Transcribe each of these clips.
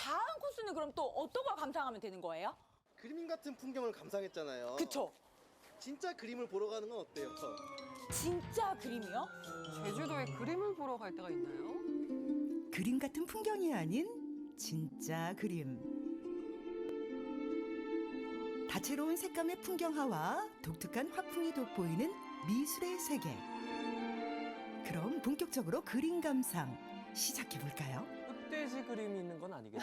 다음 코스는 그럼 또 어떤 걸 감상하면 되는 거예요? 그림 같은 풍경을 감상했잖아요. 그쵸? 진짜 그림을 보러 가는 건 어때요? 진짜 그림이요? 제주도에 그림을 보러 갈 때가 있나요? 그림 같은 풍경이 아닌 진짜 그림. 다채로운 색감의 풍경화와 독특한 화풍이 돋보이는 미술의 세계. 그럼 본격적으로 그림 감상 시작해 볼까요? 흑돼지 그림이 있는 건 아니겠죠?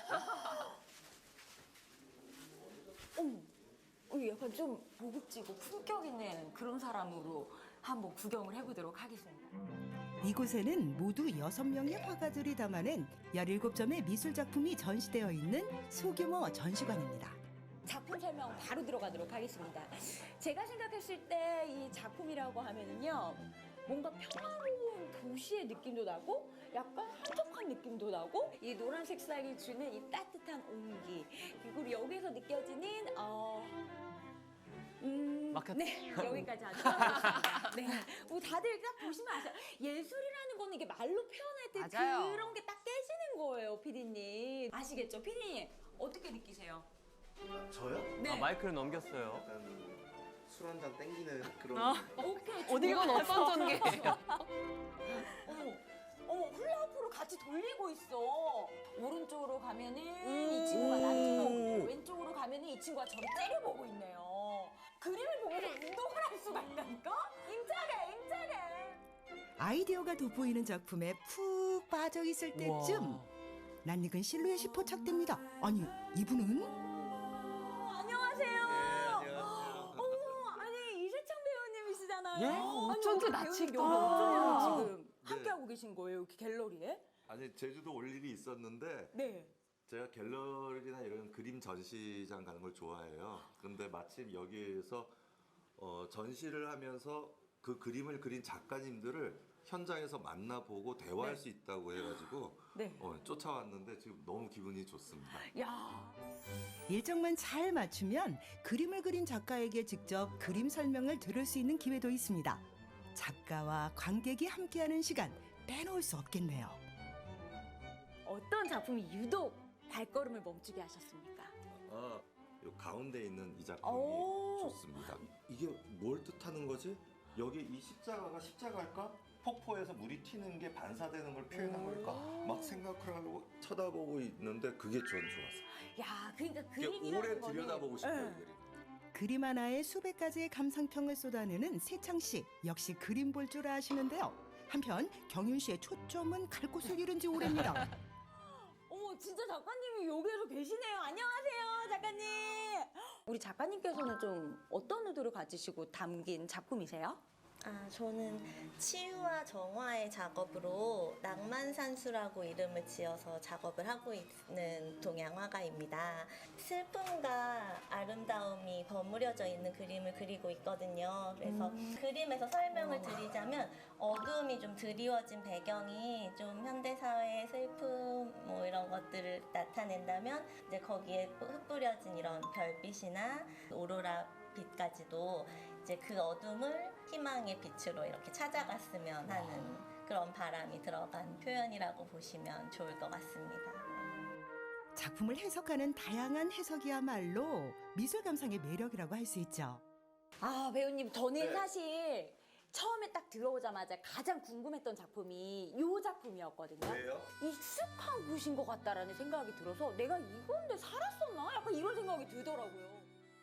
약간 좀 고급지고 품격 있는 그런 사람으로 한번 구경을 해보도록 하겠습니다. 이곳에는 모두 6명의 화가들이 담아낸 17점의 미술 작품이 전시되어 있는 소규모 전시관입니다. 작품 설명 바로 들어가도록 하겠습니다. 제가 생각했을 때 이 작품이라고 하면은요, 뭔가 평화로운 도시의 느낌도 나고 약간 한적한 느낌도 나고 이 노란 색상이 주는 이 따뜻한 온기 그리고 여기서 느껴지는 마켓. 네, 여기까지 하겠습니다. 네, 뭐 다들 딱 보시면 아세요. 예술이라는 거는 이게 말로 표현할 때 맞아요. 그런 게 딱 깨지는 거예요, 피디님. 아시겠죠, 피디님? 어떻게 느끼세요? 저요? 네. 아, 마이크를 넘겼어요. 약간 술 한 잔 땡기는 그런. 오케이. 어디 건 좋아요. 어떤 전개예요? 어머, 훌라후프를 같이 돌리고 있어. 오른쪽으로 가면은 이 친구가 나를 쳐다보고 왼쪽으로 가면은 이 친구가 저를 째려보고 있네요. 그림을 보면서 운동을 할 수가 있다니까? 임차게. 아이디어가 돋보이는 작품에 푹 빠져 있을 때쯤 낯익은 실루엣이 포착됩니다. 아니, 이분은? 안녕하세요. 안녕하세요. 어머, 아니 이세창 배우님이시잖아요. 예? 어쩐지 낯익다. 배우님 어쩌면 지금 네. 함께하고 계신 거예요, 이렇게 갤러리에? 아니 제주도 올 일이 있었는데 네. 제가 갤러리나 이런 그림 전시장 가는 걸 좋아해요. 근데 마침 여기에서 전시를 하면서 그 그림을 그린 작가님들을 현장에서 만나보고 대화할 네. 수 있다고 해가지고 네. 쫓아왔는데 지금 너무 기분이 좋습니다. 야, 일정만 잘 맞추면 그림을 그린 작가에게 직접 그림 설명을 들을 수 있는 기회도 있습니다. 작가와 관객이 함께하는 시간 빼놓을 수 없겠네요. 어떤 작품이 유독 발걸음을 멈추게 하셨습니까? 요 가운데 있는 이 작품이 오. 좋습니다. 이게 뭘 뜻하는 거지? 여기 이 십자가가 십자가일까? 폭포에서 물이 튀는 게 반사되는 걸 표현한 걸까? 막 생각을 하고 쳐다보고 있는데 그게 전 좋았어요. 야, 그러니까 이게 그림이라는 오래 거는 들여다보고 싶어요, 네. 이 그림. 그림 하나에 수백 가지의 감상평을 쏟아내는 세창 씨 역시 그림 볼 줄 아시는데요. 한편 경윤 씨의 초점은 갈 곳을 잃은 지 오래입니다. 어머, 진짜 작가님이 여기에서 계시네요. 안녕하세요, 작가님. 우리 작가님께서는 좀 어떤 의도를 가지시고 담긴 작품이세요? 저는 치유와 정화의 작업으로 낭만산수라고 이름을 지어서 작업을 하고 있는 동양화가입니다. 슬픔과 아름다움이 버무려져 있는 그림을 그리고 있거든요. 그래서 그림에서 설명을 드리자면 어두움이 좀 드리워진 배경이 좀 현대사회의 슬픔 뭐 이런 것들을 나타낸다면 이제 거기에 흩뿌려진 이런 별빛이나 오로라 빛까지도 이제 그 어둠을 희망의 빛으로 이렇게 찾아갔으면 하는 그런 바람이 들어간 표현이라고 보시면 좋을 것 같습니다. 작품을 해석하는 다양한 해석이야말로 미술 감상의 매력이라고 할 수 있죠. 아, 배우님, 저는 네. 사실 처음에 딱 들어오자마자 가장 궁금했던 작품이 이 작품이었거든요. 왜요? 익숙한 곳인 것 같다라는 생각이 들어서 내가 이건데 살았었나? 약간 이런 생각이 들더라고요.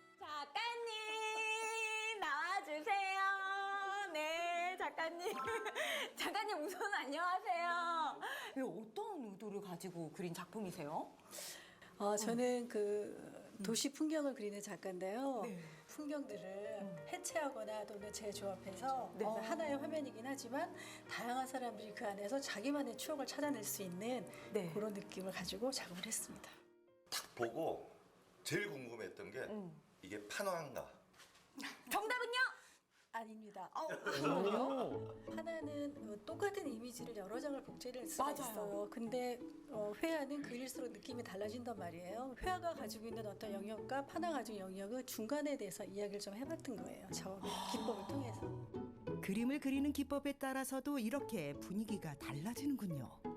작가님 나와주세요. 네, 작가님. 작가님 우선 안녕하세요. 왜 어떤 의도를 가지고 그린 작품이세요? 저는 그 도시 풍경을 그리는 작가인데요. 네. 풍경들을 해체하거나 또는 재조합해서 네. 하나의 화면이긴 하지만 다양한 사람들이 그 안에서 자기만의 추억을 찾아낼 수 있는 네. 그런 느낌을 가지고 작업을 했습니다. 딱 보고 제일 궁금했던 게 이게 판화인가? 정답은요? 아닙니다. 그래요? 하나는 똑같은 이미지를 여러 장을 복제를 할 수가 맞아요. 있어요. 근데 회화는 그릴수록 느낌이 달라진단 말이에요. 회화가 가지고 있는 어떤 영역과 판화 가지고 있는 영역을 중간에 대해서 이야기를 좀 해봤던 거예요. 작업의 기법을 통해서. 그림을 그리는 기법에 따라서도 이렇게 분위기가 달라지는군요.